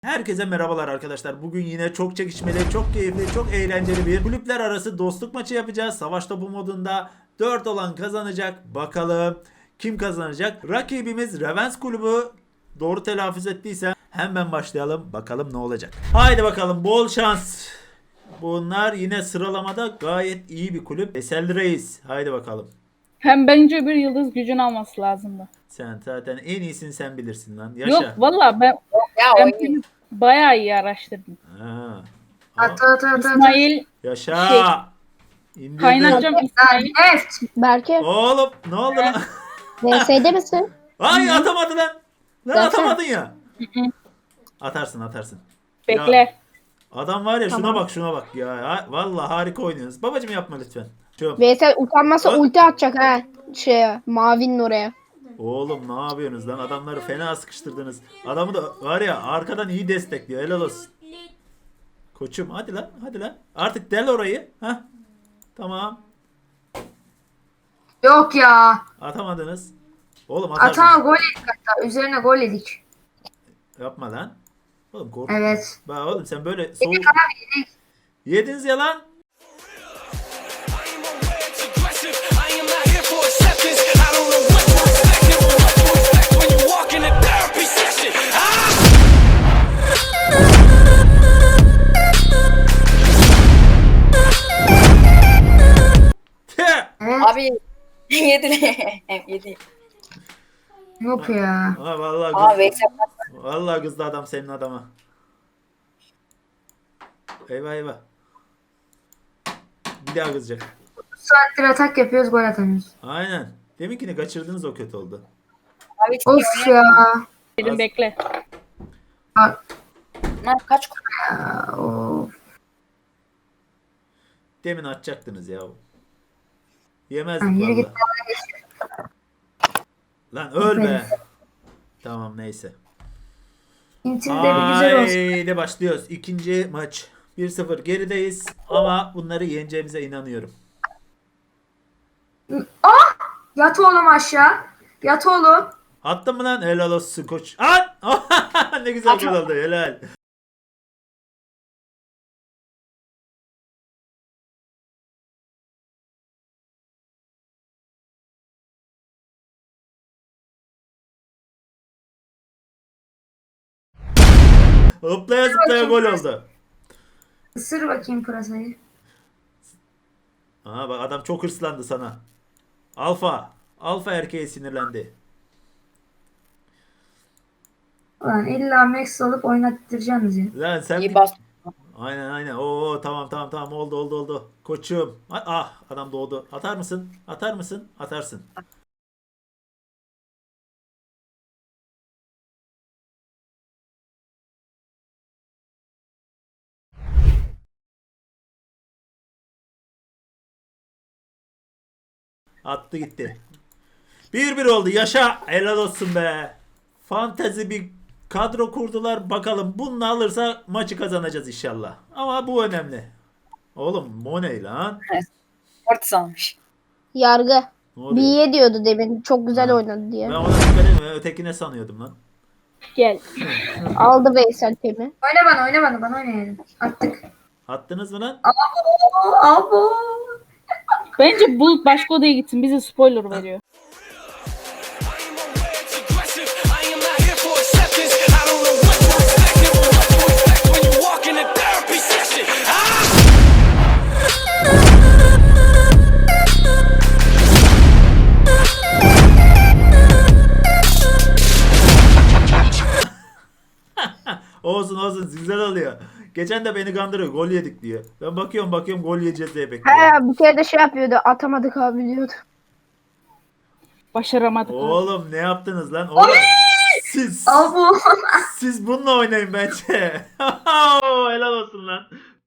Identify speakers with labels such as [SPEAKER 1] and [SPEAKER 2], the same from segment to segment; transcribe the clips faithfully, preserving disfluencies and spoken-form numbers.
[SPEAKER 1] Herkese merhabalar arkadaşlar. Bugün yine çok çekişmeli, çok keyifli, çok eğlenceli bir kulüpler arası dostluk maçı yapacağız. Savaş topu modunda dört olan kazanacak. Bakalım kim kazanacak? Rakibimiz Revens kulübü. Doğru telaffuz ettiyse hemen başlayalım. Bakalım ne olacak. Haydi bakalım, bol şans. Bunlar yine sıralamada gayet iyi bir kulüp. Esel Reis. Haydi bakalım.
[SPEAKER 2] Hem bence bir yıldız gücünü alması lazımdı.
[SPEAKER 1] Sen zaten en iyisini sen bilirsin lan.
[SPEAKER 2] Yok
[SPEAKER 1] Yaşa.
[SPEAKER 2] valla ben,
[SPEAKER 3] Ya
[SPEAKER 2] ben
[SPEAKER 3] oynuyor.
[SPEAKER 2] bunu bayağı iyi araştırdım.
[SPEAKER 1] Ha.
[SPEAKER 3] At at at at.
[SPEAKER 2] İsmail
[SPEAKER 1] Yaşa.
[SPEAKER 2] Şey,
[SPEAKER 1] İndirdim.
[SPEAKER 2] kaynatacağım İsmail.
[SPEAKER 3] Evet.
[SPEAKER 4] Berke,
[SPEAKER 1] Oğlum ne oldu lan?
[SPEAKER 4] V S'de misin?
[SPEAKER 1] Ay atamadı lan. Lan
[SPEAKER 4] Zaten-
[SPEAKER 1] atamadın ya.
[SPEAKER 2] Hı hı.
[SPEAKER 1] Atarsın atarsın.
[SPEAKER 2] Bekle.
[SPEAKER 1] Ya, adam var ya, şuna
[SPEAKER 4] Tamam.
[SPEAKER 1] bak şuna bak ya. Ha, vallahi harika oynuyorsunuz. Babacım yapma lütfen. Şu.
[SPEAKER 4] V S utanmasa
[SPEAKER 1] Ö-
[SPEAKER 4] ulti atacak ha. Şeye, mavinin oraya.
[SPEAKER 1] Oğlum ne yapıyorsunuz lan? Adamları fena sıkıştırdınız. Adamı da var ya arkadan iyi destekliyor. Helal olsun. Koçum hadi lan hadi lan. Artık del orayı. Ha? Tamam.
[SPEAKER 3] Yok ya.
[SPEAKER 1] Atamadınız. Oğlum atarsınız.
[SPEAKER 3] Atama gol yedik hatta. Üzerine gol yedik.
[SPEAKER 1] Yapma lan. Oğlum korkma.
[SPEAKER 3] Evet.
[SPEAKER 1] Bak oğlum sen böyle soğuk.
[SPEAKER 3] Yedik abi yedik.
[SPEAKER 1] Yediniz ya lan.
[SPEAKER 5] I am not here for acceptance. I don't know what to expect and what to expect when you walk in a therapy session. Ah!
[SPEAKER 1] Teh!
[SPEAKER 3] Evet.
[SPEAKER 6] Abi yedi. yedi.
[SPEAKER 3] Yok ya.
[SPEAKER 1] Ha vallahi
[SPEAKER 6] Aa
[SPEAKER 1] kız,
[SPEAKER 6] Veysel
[SPEAKER 1] vallahi kızdı adam senin adama. Eyvah eyvah. Bir daha kızacak.
[SPEAKER 3] Bu saattir atak yapıyoruz, gol atamıyoruz.
[SPEAKER 1] Aynen. Deminkini kaçırdınız, o kötü oldu.
[SPEAKER 6] abi çok
[SPEAKER 3] Of ya.
[SPEAKER 2] Dedim
[SPEAKER 1] Az-
[SPEAKER 2] bekle.
[SPEAKER 6] Lan kaç gol?
[SPEAKER 3] Ya, of.
[SPEAKER 1] Demin atacaktınız ya.
[SPEAKER 3] Lan
[SPEAKER 1] Yemezdik
[SPEAKER 3] yürü git.
[SPEAKER 1] vallahi. Lan öl be. Tamam neyse.
[SPEAKER 3] İntimde bir güzel olsun.
[SPEAKER 1] Haydi başlıyoruz. İkinci maç. bir sıfır gerideyiz ama bunları yeneceğimize inanıyorum.
[SPEAKER 3] Yat oğlum aşağı. Yat oğlum.
[SPEAKER 1] Attın mı lan? Helal olsun koç. At! Ne güzel gol oldu. Helal. Hoplaya zıplaya gol oldu.
[SPEAKER 3] Isır bakayım pırasayı.
[SPEAKER 1] Aha bak, adam çok hırslandı sana. Alfa. Alfa erkeğe sinirlendi.
[SPEAKER 3] Ulan illa Max alıp oynattıracaksınız ya.
[SPEAKER 1] Lan sen
[SPEAKER 6] İyi
[SPEAKER 1] bir-
[SPEAKER 6] bas.
[SPEAKER 1] Aynen aynen. Oo tamam tamam tamam, oldu oldu oldu. Koçum. Ah, ah, adam doğdu. Atar mısın? Atar mısın? Atarsın. Attı gitti. bir bir oldu. Yaşa. Helal olsun be. Fantezi bir kadro kurdular. Bakalım bunu alırsa maçı kazanacağız inşallah. Ama bu önemli. Oğlum Money lan.
[SPEAKER 6] Orta almış.
[SPEAKER 4] Yargı.
[SPEAKER 1] Ne oluyor?
[SPEAKER 4] Biye diyordu demin. Çok güzel
[SPEAKER 1] Ha.
[SPEAKER 4] oynadı diye.
[SPEAKER 1] Ben ona dikkat etmiyorum. Ötekine sanıyordum lan.
[SPEAKER 2] Gel.
[SPEAKER 4] Aldı Veysel temi.
[SPEAKER 3] Oyna bana, oyna bana, bana oynayalım. Attık.
[SPEAKER 1] Attınız mı lan?
[SPEAKER 3] Abo, abo.
[SPEAKER 2] Bence Bulut başka odaya gitsin. Bize spoiler veriyor.
[SPEAKER 5] I am aware it's aggressive. I am not here for acceptance. I don't know what to expect and what to expect when you walk in a therapy session. Ah!
[SPEAKER 1] Olsun olsun, güzel oluyor. Geçen de beni kandırıyor. Gol yedik diyor. Ben bakıyorum bakıyorum gol yiyeceğiz diye bekliyorum.
[SPEAKER 4] He bir kere de şey yapıyordu. Atamadık abi diyordu.
[SPEAKER 2] Başaramadık.
[SPEAKER 1] Oğlum ne yaptınız lan? Oğlum, siz
[SPEAKER 3] Abo.
[SPEAKER 1] siz bununla oynayın bence. Helal olsun lan.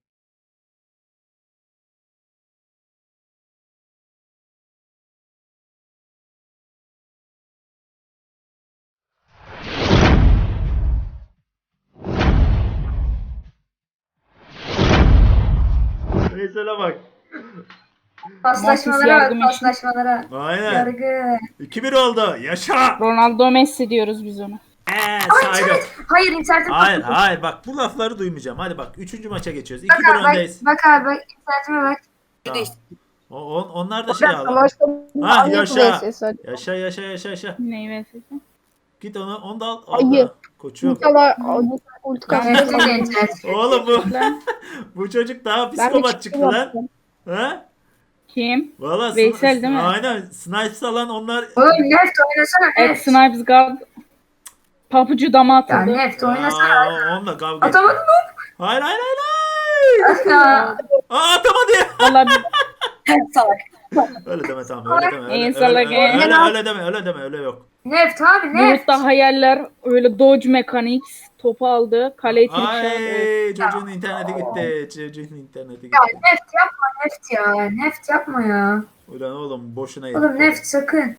[SPEAKER 1] Veysel'e bak.
[SPEAKER 3] Paslaşmalara
[SPEAKER 2] yargı
[SPEAKER 3] bak,
[SPEAKER 2] meşhur.
[SPEAKER 3] paslaşmalara.
[SPEAKER 1] Aynen.
[SPEAKER 3] Yargı.
[SPEAKER 1] iki bir oldu. Yaşa.
[SPEAKER 2] Ronaldo Messi diyoruz biz ona.
[SPEAKER 1] Eee
[SPEAKER 3] Ama
[SPEAKER 1] saydım.
[SPEAKER 3] internet. Hayır internetim
[SPEAKER 1] Hayır
[SPEAKER 3] koptu.
[SPEAKER 1] hayır bak bu lafları duymayacağım. Hadi bak üçüncü maça geçiyoruz.
[SPEAKER 3] Bak
[SPEAKER 1] iki bir
[SPEAKER 3] abi bak,
[SPEAKER 1] öndeyiz.
[SPEAKER 3] bak abi bak internetime bak.
[SPEAKER 1] Tamam.
[SPEAKER 6] Değişti.
[SPEAKER 1] O, on- onlar da şey
[SPEAKER 4] Ben
[SPEAKER 1] aldı.
[SPEAKER 4] savaşta
[SPEAKER 1] Ha
[SPEAKER 4] Ahmet
[SPEAKER 1] yaşa.
[SPEAKER 4] vs Salih.
[SPEAKER 1] Yaşa yaşa yaşa yaşa.
[SPEAKER 2] Neyi verirsin?
[SPEAKER 1] Git onu onu da al.
[SPEAKER 4] Ayı.
[SPEAKER 1] al da. Koçum.
[SPEAKER 4] İnşallah ulti
[SPEAKER 3] Nefretim de
[SPEAKER 4] kasmasın.
[SPEAKER 3] internet.
[SPEAKER 1] Oğlum bu
[SPEAKER 2] Lan.
[SPEAKER 1] bu çocuk daha
[SPEAKER 4] Ben de
[SPEAKER 1] psikopat
[SPEAKER 4] çıktım
[SPEAKER 1] çıktı lan.
[SPEAKER 4] yaptım.
[SPEAKER 1] Ha?
[SPEAKER 2] Kim?
[SPEAKER 1] Valla
[SPEAKER 2] Veysel değil mi?
[SPEAKER 1] Aynen. Snipes alan onlar.
[SPEAKER 3] Oğlum Neft oynasana
[SPEAKER 2] Evet,
[SPEAKER 3] Neft.
[SPEAKER 2] Snipes God. Papucu dama
[SPEAKER 3] Ya
[SPEAKER 2] atıldı.
[SPEAKER 3] Neft oynasana.
[SPEAKER 1] Aa, onunla kavga etti.
[SPEAKER 3] Atamadın mı?
[SPEAKER 1] Hayır hayır hayır. hayır.
[SPEAKER 3] Ya.
[SPEAKER 1] Aa atamadı ya.
[SPEAKER 2] Valla bir
[SPEAKER 6] Salak.
[SPEAKER 1] Öyle deme tamam öyle deme. Öyle,
[SPEAKER 2] İyi,
[SPEAKER 1] öyle,
[SPEAKER 2] salak,
[SPEAKER 1] öyle,
[SPEAKER 2] iyi.
[SPEAKER 1] öyle, öyle deme öyle deme öyle yok.
[SPEAKER 3] Neft abi Neft.
[SPEAKER 2] Bulut'ta hayaller öyle Dodge Mechanics topu aldı. Kaleyi trikşer.
[SPEAKER 1] Ay çocuğun interneti gitti. Çocuğun interneti
[SPEAKER 3] Ya
[SPEAKER 1] gitti.
[SPEAKER 3] Neft yapma Neft ya. Neft yapma ya.
[SPEAKER 1] Ulan oğlum boşuna yedik.
[SPEAKER 3] Oğlum Neft sakın.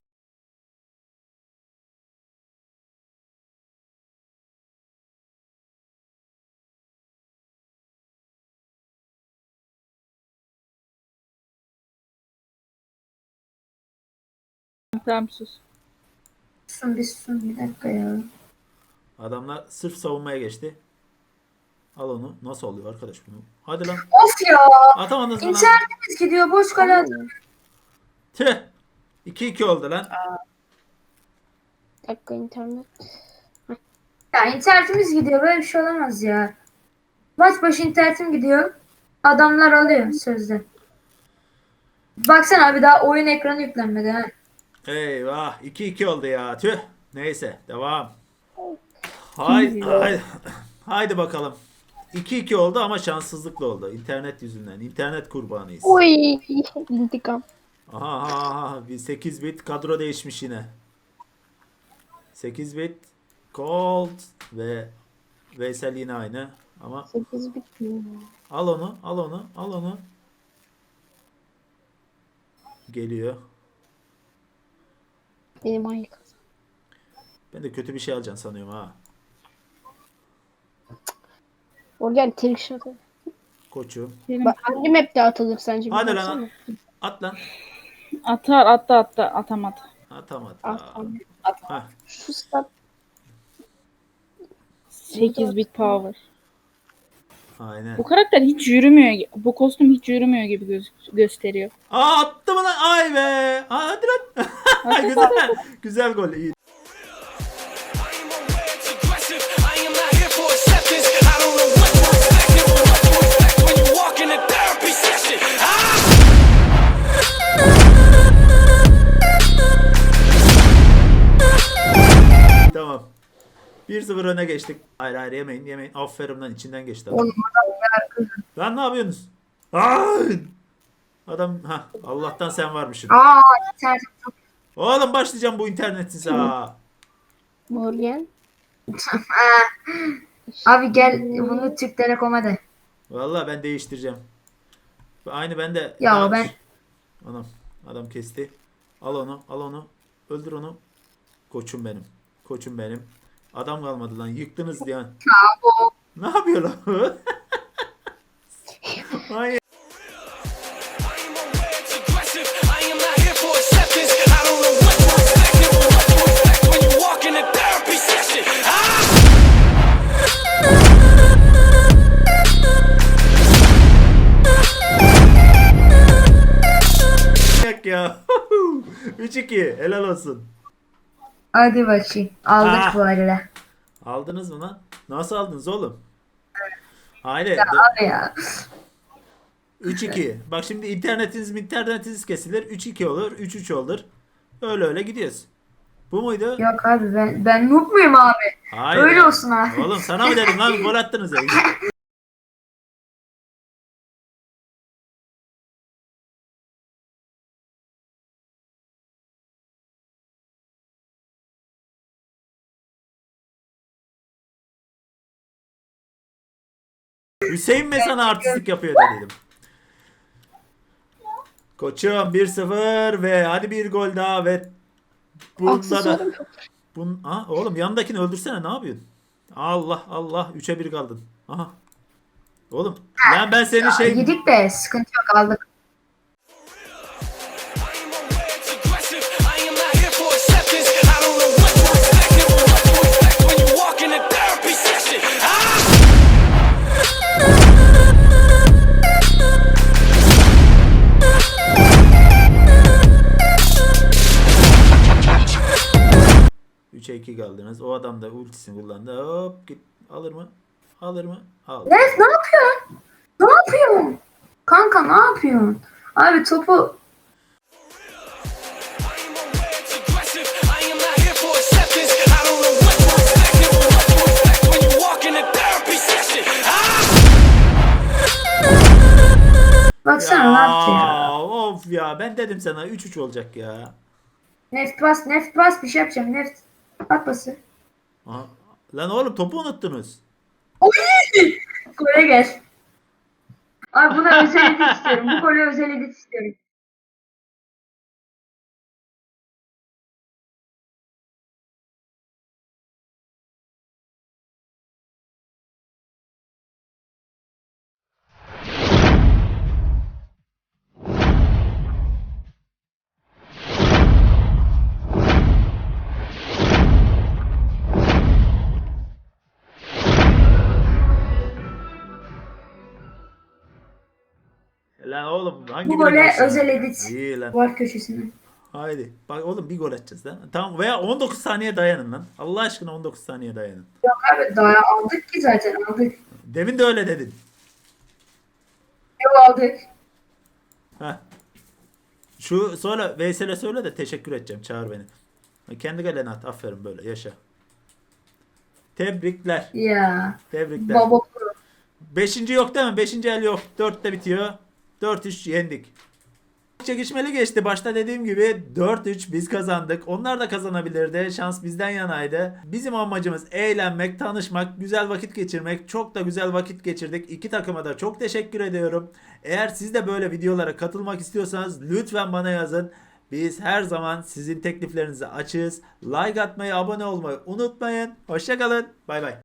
[SPEAKER 2] Tamam sus.
[SPEAKER 3] Susun bir susun bir dakika ya.
[SPEAKER 1] Adamlar sırf savunmaya geçti. Al onu. Nasıl oluyor arkadaş bunu? Hadi lan.
[SPEAKER 3] Of ya.
[SPEAKER 1] Atamadınız mı lan?
[SPEAKER 3] İnternetimiz gidiyor boş kale at-
[SPEAKER 1] Tüh. iki iki oldu lan.
[SPEAKER 4] Bir dakika internet.
[SPEAKER 3] Ya internetimiz gidiyor böyle bir şey olamaz ya. Maç başı internetim gidiyor. Adamlar alıyor sözde. Baksana abi daha oyun ekranı yüklenmedi ha.
[SPEAKER 1] Eyvah. iki iki oldu ya. Tüh. Neyse. Devam. Haydi. Haydi, haydi bakalım. iki iki oldu ama şanssızlıkla oldu. İnternet yüzünden. İnternet kurbanıyız.
[SPEAKER 4] Oy intikam.
[SPEAKER 1] Aha, aha, aha. Bir sekiz bit kadro değişmiş yine. sekiz bit Colt ve Veysel yine aynı. Ama
[SPEAKER 4] sekiz bit mi?
[SPEAKER 1] al onu, al onu, al onu. Geliyor.
[SPEAKER 4] Benim ayı kazan.
[SPEAKER 1] Ben de kötü bir şey alacaksın sanıyorum ha.
[SPEAKER 4] Organ trick shot'ı.
[SPEAKER 1] Koçum.
[SPEAKER 2] Benim
[SPEAKER 4] Bak hangi map'te atılır sence? bir
[SPEAKER 1] Hadi lan.
[SPEAKER 4] baksana.
[SPEAKER 1] At lan.
[SPEAKER 2] atar attı attı atamadı.
[SPEAKER 1] Atamadı.
[SPEAKER 4] Ah,
[SPEAKER 1] Aa.
[SPEAKER 4] tamam.
[SPEAKER 1] Hah.
[SPEAKER 4] Şu stat
[SPEAKER 2] sekiz bit power.
[SPEAKER 1] Aynen.
[SPEAKER 2] Bu karakter hiç yürümüyor. Bu kostüm hiç yürümüyor gibi göz- gösteriyor.
[SPEAKER 1] Aa attı mı lan? Ay be. Aa, hadi lan. Güzel. Güzel gol. İyi.
[SPEAKER 5] I am aware it's aggressive. I am not here for acceptance. I don't know what to expect or what to expect when you walk in a therapy session. Ah!
[SPEAKER 1] Tamam. bir sıfır öne geçtik. Hayır hayır yemeyin yemeyin. Aferin lan içinden geçti adam.
[SPEAKER 3] Oğlum adam ya.
[SPEAKER 1] Lan ne yapıyorsunuz? Ay! Adam ha Allah'tan sen varmışsın.
[SPEAKER 3] Aa internetim çok.
[SPEAKER 1] Oğlum başlayacağım bu internetsiz ha.
[SPEAKER 4] Morgan.
[SPEAKER 3] Abi gel bunu Türk Telekom'a de.
[SPEAKER 1] Vallahi ben değiştireceğim. Aynı ben de.
[SPEAKER 3] Ya
[SPEAKER 1] Aa,
[SPEAKER 3] ben-
[SPEAKER 1] Anam adam kesti. Al onu al onu. Öldür onu. Koçum benim. Koçum benim. Adam kalmadı lan. Yıktınız diye. Ne yapıyor lan? Ay.
[SPEAKER 5] I am aware it's aggressive. I am not here for acceptance. I don't know what to expect or what to expect when you walk in a therapy session. Ah!
[SPEAKER 1] Yak ya. üç iki. Helal olsun.
[SPEAKER 3] Hadi bakayım. Aldık
[SPEAKER 1] Ah.
[SPEAKER 3] bu arada.
[SPEAKER 1] Aldınız mı lan? Nasıl aldınız oğlum? Hayır.
[SPEAKER 3] Abi ya.
[SPEAKER 1] üç iki. Bak şimdi internetiniz internetiniz kesilir. üç iki olur. üç üç olur. Öyle öyle gidiyoruz. Bu muydu?
[SPEAKER 3] Yok abi ben ben noob muyum abi?
[SPEAKER 1] Hayır.
[SPEAKER 3] Öyle olsun abi.
[SPEAKER 1] Oğlum sana mı dedim lan? Gol attınız ya. Hüseyin mi sana artistlik yapıyor da dedim. Koçum bir sıfır ve hadi bir gol daha ve bunda da
[SPEAKER 4] Aksesuarım yok.
[SPEAKER 1] bun ha, oğlum yanındakini öldürsene ne yapıyorsun? Allah Allah üçe bir kaldın. Aha. Oğlum lan ben senin şey
[SPEAKER 3] Yedik de sıkıntı yok aldık.
[SPEAKER 5] I am aware it's aggressive. I am not here for acceptance. I don't know what to expect or what to expect when you
[SPEAKER 1] aldınız. O adam da ultisini kullandı. Hop git. Alır mı? Alır mı? Al.
[SPEAKER 3] Nef ne yapıyorsun? Ne yapıyorsun? Kanka ne yapıyorsun? Abi topu
[SPEAKER 5] I am aware it's aggressive. I am not here for acceptance. I don't know what to expect or what to expect when you walk in a therapy session. Ah!
[SPEAKER 3] baksana ne yaptı ya.
[SPEAKER 1] Of ya ben dedim sana üç üç olacak ya.
[SPEAKER 3] Neft bas, neft bas bir şey yapacağım. Neft at bası.
[SPEAKER 1] Aha. Lan oğlum topu unuttunuz.
[SPEAKER 3] Gole gel. Abi buna özel edit istiyorum. Bu gole özel edit istiyorum.
[SPEAKER 1] Lan oğlum hangi
[SPEAKER 3] Bu
[SPEAKER 1] birine
[SPEAKER 3] gole
[SPEAKER 1] karşı?
[SPEAKER 3] özel edit.
[SPEAKER 1] İyi lan.
[SPEAKER 3] Var köşesine.
[SPEAKER 1] Haydi. Bak oğlum bir gol atacağız lan. Tamam veya on dokuz saniye dayanın lan. Allah aşkına on dokuz saniye dayanın.
[SPEAKER 3] Yok abi daha aldık ki zaten aldık.
[SPEAKER 1] Demin de öyle dedin.
[SPEAKER 3] Yok aldık.
[SPEAKER 1] Heh. Şu sonra Veysel'e söyle de teşekkür edeceğim. Çağır beni. Kendi galene at. Aferin böyle yaşa. Tebrikler.
[SPEAKER 3] Ya.
[SPEAKER 1] Tebrikler.
[SPEAKER 3] Baba pro.
[SPEAKER 1] Beşinci yok değil mi? Beşinci el yok. Dörtte bitiyor. Dört üç yendik. Çekişmeli geçti. Başta dediğim gibi dört üç biz kazandık. Onlar da kazanabilirdi. Şans bizden yanaydı. Bizim amacımız eğlenmek, tanışmak, güzel vakit geçirmek. Çok da güzel vakit geçirdik. İki takıma da çok teşekkür ediyorum. Eğer siz de böyle videolara katılmak istiyorsanız lütfen bana yazın. Biz her zaman sizin tekliflerinizi açığız. Like atmayı, abone olmayı unutmayın. Hoşça kalın. Bay bay.